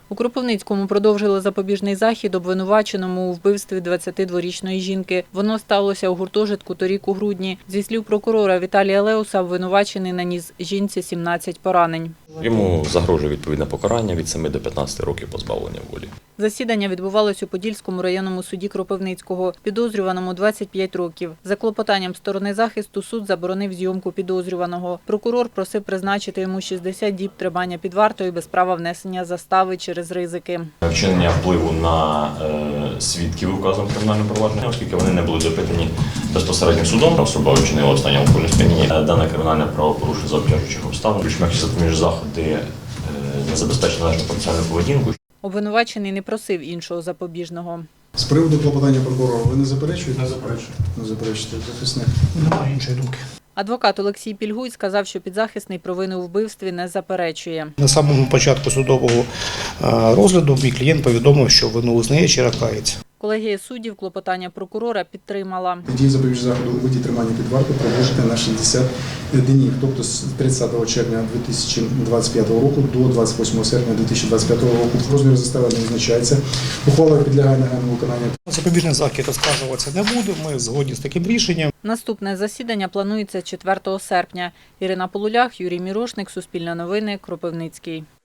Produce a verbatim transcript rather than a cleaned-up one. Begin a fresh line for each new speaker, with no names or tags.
У Кропивницькому продовжили запобіжний захід обвинуваченому у вбивстві двадцятидворічної жінки. Воно сталося у гуртожитку торік у грудні. Зі слів прокурора Віталія Леуса, обвинувачений наніс жінці сімнадцять поранень.
Йому загрожує відповідне покарання від семи до п'ятнадцяти років позбавлення волі.
Засідання відбувалось у Подільському районному суді Кропивницького. Підозрюваному двадцять п'ять років. За клопотанням сторони захисту суд заборонив зйомку підозрюваного. Прокурор просив призначити йому шістдесят діб тримання під вартою без права внесення застави через ризики.
Вчинення впливу на е, свідків указом кримінального провадження, оскільки вони не були допитані безпосередньо судом, особа вчинила останнє алкогольне сп'яніння. Дане кримінальне правопорушення за обтяжуючих обставин. Більш м'які запобіжні заходи е, не забезпечили належну процесуальну поведінку.
Обвинувачений не просив іншого запобіжного.
З приводу клопотання прокурора ви не заперечуєте? Не заперечую. Не заперечуєте, захисник?
Немає іншої думки.
Адвокат Олексій Пільгуй сказав, що підзахисний провини у вбивстві не заперечує.
На самому початку судового розгляду мій клієнт повідомив, що вину визнає чи ракається.
Колегія суддів клопотання прокурора підтримала.
Дії запобіжного заходу у виді тримання під вартою продовжити на шістдесят днів, тобто з тридцятого червня дві тисячі двадцять п'ятого року до двадцять восьмого серпня дві тисячі двадцять п'ятого року. Розмір застави не визначається. Ухвала підлягає негайному виконанню.
Запобіжний захід оскаржуватися не буде, ми згодні з таким рішенням.
Наступне засідання планується четвертого серпня. Ірина Полулях, Юрій Мірошник, Суспільне новини, Кропивницький.